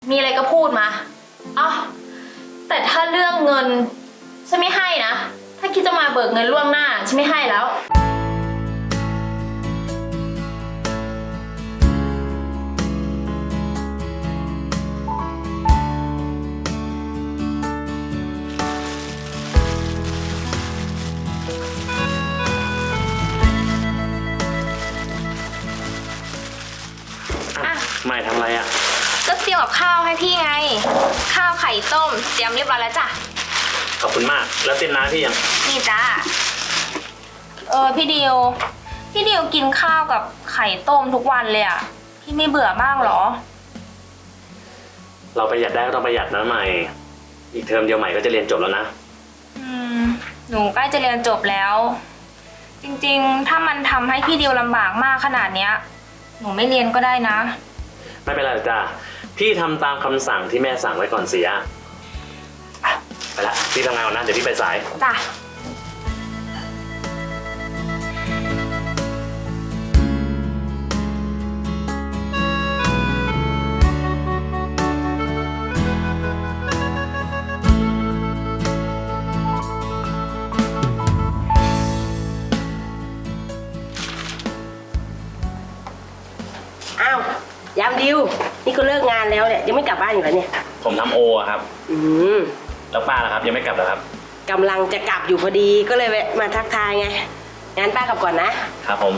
มีอะไรก็พูดมาอ๋อแต่ถ้าเรื่องเงินฉันไม่ให้นะถ้าคิดจะมาเบิกเงินล่วงหน้าฉันไม่ให้แล้วไม่ทำอะไรอ่ะก็เตรียมกับข้าวให้พี่ไงข้าวไข่ต้มเตรียมเรียบร้อยแล้วจ้ะขอบคุณมากแล้วเส้นน้ำพี่ยังนี่จ้าพี่ดิวกินข้าวกับไข่ต้มทุกวันเลยอ่ะพี่ไม่เบื่อบ้างเหรอเราประหยัดได้ก็ต้องประหยัดนะใหม่อีกเทอมเดียวใหม่ก็จะเรียนจบแล้วนะหนูใกล้จะเรียนจบแล้วจริงๆถ้ามันทำให้พี่ดิวลำบากมากขนาดเนี้ยหนูไม่เรียนก็ได้นะไม่เป็นไรจ้าพี่ทำตามคำสั่งที่แม่สั่งไว้ก่อนเสียไปละพี่ทำงานก่อนนะเดี๋ยวพี่ไปสายจ้ะอ้าว ยามดิวนี่ก็เลิกงานแล้วเนี่ยยังไม่กลับบ้านอยู่แล้วเนี่ยผมทำโอครับแล้วป้าล่ะครับยังไม่กลับเหรอครับกำลังจะกลับอยู่พอดีก็เลยแวะมาทักทายไงงั้นป้ากลับก่อนนะครับผม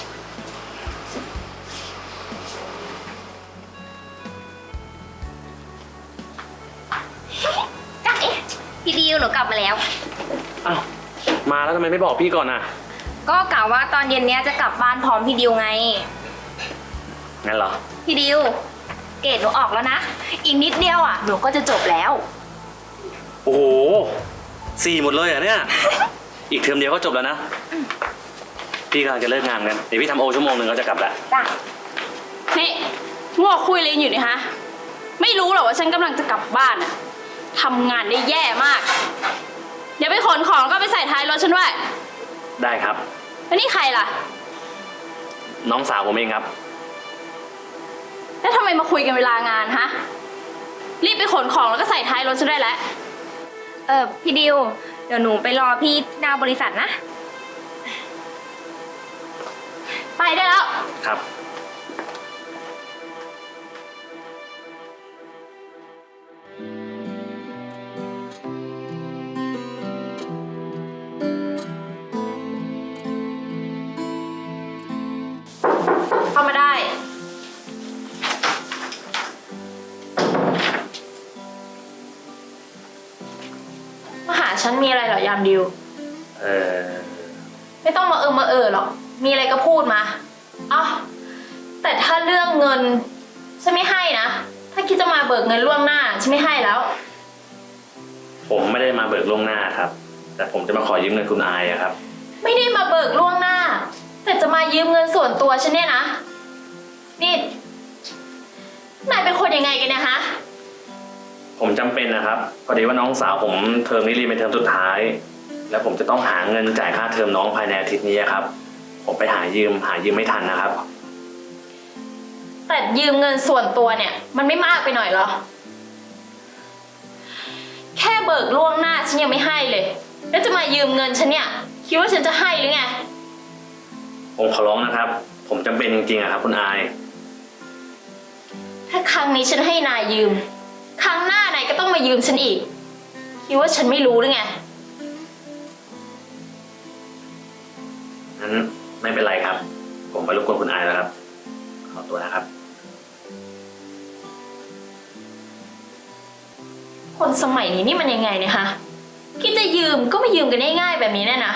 จ้ะพี่ดิวหนูกลับมาแล้วอ้าวมาแล้วทำไมไม่บอกพี่ก่อนอ่ะก็กะว่าตอนเย็นเนี้ยจะกลับบ้านพร้อมพี่ดิวไงงั้นเหรอพี่ดิวเกรดหนูออกแล้วนะอีกนิดเดียวอ่ะหนูก็จะจบแล้วโอ้โห4หมดเลยเหรอเนี่ย อีกเทอมเดียวก็จบแล้วนะพี่กำลังจะเลิกงานกันเดี๋ยวพี่ทำโอชั่วโมงหนึ่งก็จะกลับแล้วจ้ะนี่งัวคุยอะไรอยู่นี่ฮะไม่รู้หรอว่าฉันกำลังจะกลับบ้านอะทำงานได้แย่มากเดี๋ยวไปขนของแล้วก็ไปใส่ท้ายรถฉันด้วยได้ครับแล้วนี่ใครล่ะน้องสาวผมเองครับแล้วทำไมมาคุยกันเวลางานฮะรีบไปขนของแล้วก็ใส่ท้ายรถฉันได้แล้วพี่ดิวเดี๋ยวหนูไปรอพี่หน้าบริษัทนะไปได้แล้วครับเข้ามาได้มาหาฉันมีอะไรเหรอยามดิวไม่ต้องมาหรอกมีอะไรก็พูดมาอ๋อแต่ถ้าเรื่องเงินฉันไม่ให้นะถ้าคิดจะมาเบิกเงินล่วงหน้าฉันไม่ให้แล้วผมไม่ได้มาเบิกล่วงหน้าครับแต่ผมจะมาขอยืมเงินคุณอายครับไม่ได้มาเบิกล่วงหน้าแต่จะมายืมเงินส่วนตัวฉันเนี่ยนะนี่นายเป็นคนยังไงกันเนี่ยฮะผมจำเป็นนะครับพอดีว่าน้องสาวผมเทอมนี้เรียนเป็นเทอมสุดท้ายแล้วผมจะต้องหาเงินจ่ายค่าเทอมน้องภายในอาทิตย์นี้ครับผมไปหายืมไม่ทันนะครับแต่ยืมเงินส่วนตัวเนี่ยมันไม่มากไปหน่อยเหรอแค่เบิกล่วงหน้าฉันยังไม่ให้เลยแล้วจะมายืมเงินฉันเนี่ยคิดว่าฉันจะให้หรือไงผมขอร้องนะครับผมจำเป็นจริงๆครับคุณอายถ้าครั้งนี้ฉันให้นายยืมครั้งหน้านายก็ต้องมายืมฉันอีกคิดว่าฉันไม่รู้หรือไงงั้นไม่เป็นไรครับผมไปรบกวนคุณอายแล้วครับขอตัวนะครับคนสมัยนี้นี่มันยังไงเนี่ยฮะคิดจะยืมก็ไม่ยืมกันง่ายๆแบบนี้แน่นะ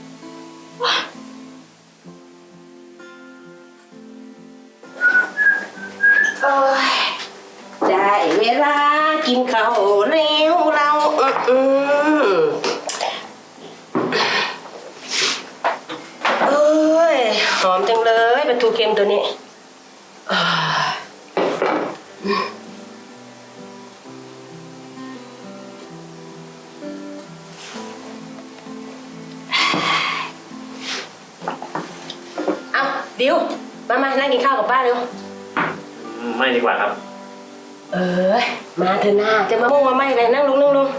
ได้เวลากินข้าวแล้วเราเอ้ยหอมจังเลยปลาทูเค็มตัวนี้เอาดิวมานั่งกินข้าวกับป้าเร็วไม่ดีกว่าครับมาเถอะนาจะมามุ่งมาไม่อะไรนั่งลงนั่งลง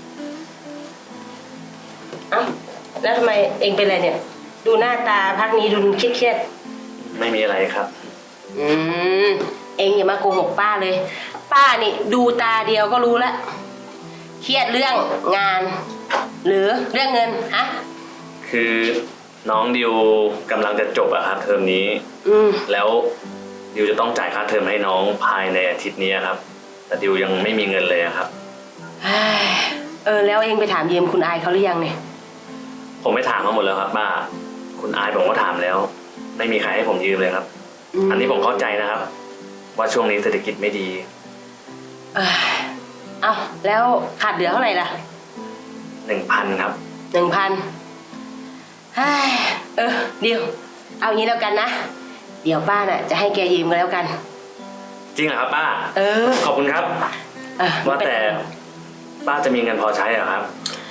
เอ้าแล้วทำไมเองเป็นอะไรเนี่ย ดูหน้าตาพักนี้ดูเครียดไม่มีอะไรครับเองอย่ามาโกหกป้าเลย ป้านี่ดูตาเดียวก็รู้แล้วเครียดเรื่องงาน หรือเรื่องเงินฮะคือน้องดิวกำลังจะจบอะครับเทอมนี้ แล้วดิวจะต้องจ่ายค่าเทอมให้น้องภายในอาทิตย์นี้ครับ แต่ดิวยังไม่มีเงินเลยครับแล้วเองไปถามยืมคุณอายเขาหรือยังเนี่ยผมไม่ถามมาหมดแล้วครับป้าคุณอายผมก็ถามแล้ว ไม่มีใครให้ผมยืมเลยครับ อันนี้ผมเข้าใจนะครับ ว่าช่วงนี้เศรษฐกิจไม่ดีเอาแล้วขาดเหลือเท่าไหร่ล่ะ 1,000 ครับ 1,000เดี๋ยวเอางี้แล้วกันนะเดี๋ยวป้าน่ะจะให้แกยืมกันแล้วกันจริงเหรอครับป้า ขอบคุณครับ ว่าแต่ป้าจะมีเงินพอใช้เหรอครับ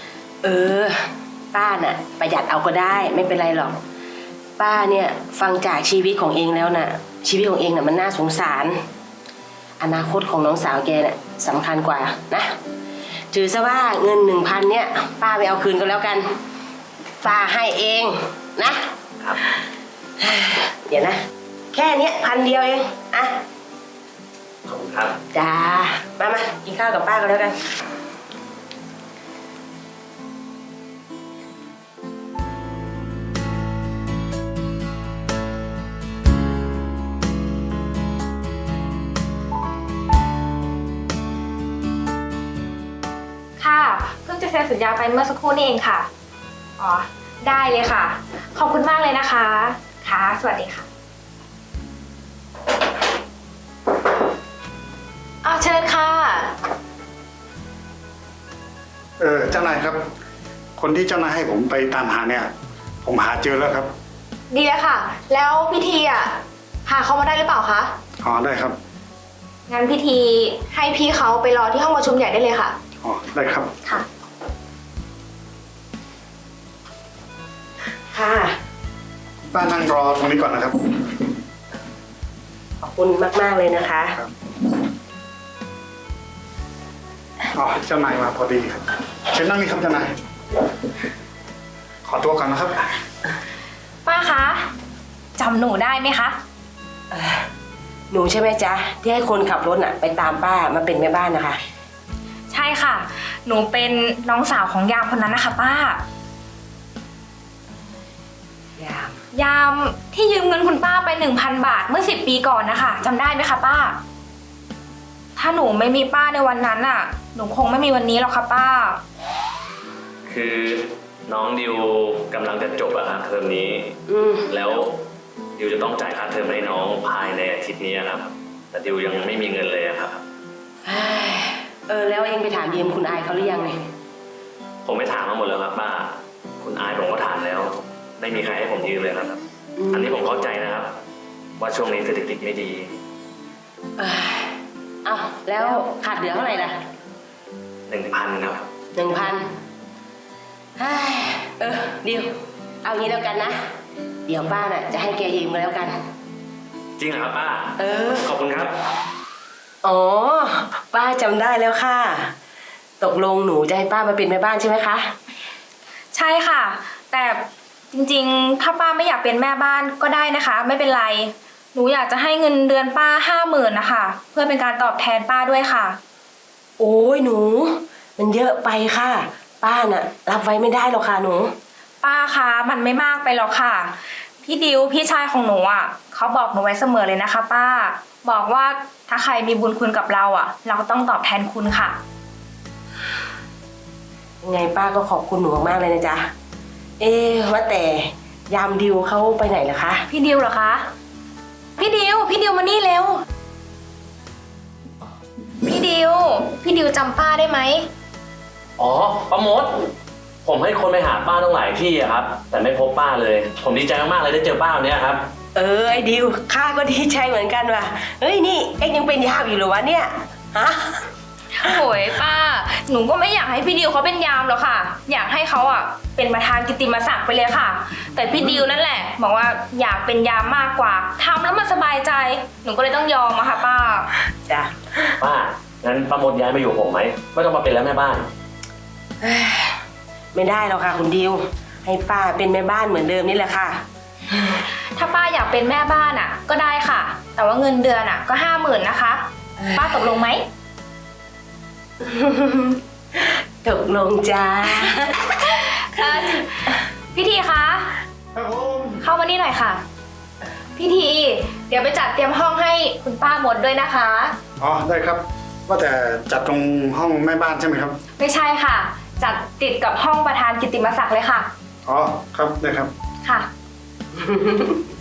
ป้าน่ะประหยัดเอาก็ได้ไม่เป็นไรหรอกป้าเนี่ยฟังจากชีวิตของเองแล้วน่ะชีวิตของเองน่ะมันน่าสงสารอนาคตของน้องสาวแกน่ะสำคัญกว่านะถือซะว่าเงิน 1,000เนี่ยป้าไปเอาคืนก็แล้วกันป้าให้เองนะครับ เดี๋ยวนะแค่เนี้ย1,000 เดียวเองอ่ะขอบคุณครับจ้ามากินข้าวกับป้าก็แล้วกันค่ะเพิ่งจะเซ็นสัญญาไปเมื่อสักครู่นี่เองค่ะอ๋อได้เลยค่ะขอบคุณมากเลยนะคะค่ะสวัสดีค่ะเชิญค่ะเจ้านายครับ คนที่เจ้านายให้ผมไปตามหาเนี่ย ผมหาเจอแล้วครับดีแล้วค่ะ แล้วพิธีหาเขามาได้หรือเปล่าคะอ๋อได้ครับงั้นพิธีให้พี่เขาไปรอที่ห้องประชุมใหญ่ได้เลยค่ะอ๋อได้ครับค่ะค่ะป้านั่งรอตรงนี้ก่อนนะครับขอบคุณมากๆเลยนะคะอ๋อเจ้านายมาพอดีครับเชิญนั่งนี่ครับเจ้านายขอตัวก่อนนะครับป้าคะจำหนูได้ไหมคะหนูใช่ไหมจ๊ะที่ให้คนขับรถน่ะไปตามป้ามาเป็นแม่บ้านนะคะใช่ค่ะ หนูเป็นน้องสาวของยามคนนั้นนะคะป้า ยามที่ยืมเงินคุณป้าไป 1,000 บาทเมื่อ10 ปีก่อนนะคะจำได้ไหมคะป้า ถ้าหนูไม่มีป้าในวันนั้นน่ะหนูคงไม่มีวันนี้หรอกค่ะป้าคือน้องดิวกำลังจะจบอะครับเทอมนี้ แล้วดิวจะต้องจ่ายค่าเทอมให้น้องภายในอาทิตย์นี้ครับ แต่ดิวยังไม่มีเงินเลยครับแล้วเองไปถามยืมคุณอายเขาหรือยังเนี่ยผมไม่ถามมาหมดแล้วครับป้าคุณอายผมก็ถามแล้ว ไม่มีใครให้ผมยืมเลยครับ อันนี้ผมเข้าใจนะครับ ว่าช่วงนี้เศรษฐกิจไม่ดีแล้วขาดเหลือเท่าไหร่ล่ะ 1,000 ครับ 1,000เดี๋ยวเอางี้แล้วกันนะเดี๋ยวป้าน่ะจะให้แกยืมกันแล้วกันจริงเหรอครับป้า ขอบคุณครับอ๋อป้าจำได้แล้วค่ะตกลงหนูจะให้ป้ามาเป็นแม่บ้านใช่ไหมคะใช่ค่ะ แต่จริงๆถ้าป้าไม่อยากเป็นแม่บ้านก็ได้นะคะ ไม่เป็นไรหนูอยากจะให้เงินเดือนป้า 50,000นะคะเพื่อเป็นการตอบแทนป้าด้วยค่ะโอ้ยหนูมันเยอะไปค่ะป้าน่ะรับไว้ไม่ได้หรอกค่ะหนูป้าคะมันไม่มากไปหรอกค่ะพี่ดิวพี่ชายของหนูเขาบอกหนูไว้เสมอเลยนะคะป้าบอกว่าถ้าใครมีบุญคุณกับเราเราก็ต้องตอบแทนคุณค่ะยังไงป้าก็ขอบคุณหนูมากๆเลยนะจ๊ะว่าแต่ยามดิวเขาไปไหนล่ะคะพี่ดิวเหรอคะพี่ดิวมานี่เร็วพี่ดิวจำป้าได้ไหมอ๋อป้ามดผมให้คนไปหาป้าตั้งหลายที่อะครับ แต่ไม่พบป้าเลย ผมดีใจมากๆเลยได้เจอป้าวันนี้ครับไอ้ดิวข้าก็ดีใจเหมือนกันว่ะเฮ้ยนี่เอ็งยังเป็นยามอยู่หรือวะเนี่ยฮะโอ้ยป้าหนูก็ไม่อยากให้พี่ดิวเขาเป็นยามหรอกค่ะ อยากให้เขาอ่ะเป็นประธานกิตติมศักดิ์ไปเลยค่ะ แต่พี่ดิวนั่นแหละบอกว่าอยากเป็นยามมากกว่าทำแล้วมันสบายใจ หนูก็เลยต้องยอมอะค่ะป้าจ้ะป้า งั้นป้ามดย้ายมาอยู่ผมไหม ไม่ต้องมาเป็นแล้วแม่บ้านไม่ได้หรอกค่ะคุณดิว ให้ป้าเป็นแม่บ้านเหมือนเดิมนี่แหละค่ะถ้าป้าอยากเป็นแม่บ้านอ่ะ ก็ได้ค่ะ แต่ว่าเงินเดือนอ่ะก็50,000นะคะ ป้าตกลงไหมตกลงจ้าพี่ทีคะครับผมเข้ามานี่หน่อยค่ะ พี่ที เดี๋ยวไปจัดเตรียมห้องให้คุณป้าหมดด้วยนะคะอ๋อได้ครับ ว่าแต่จัดตรงห้องแม่บ้านใช่ไหมครับไม่ใช่ค่ะ จัดติดกับห้องประธานกิตติมศักดิ์เลยค่ะอ๋อครับได้ครับค่ะ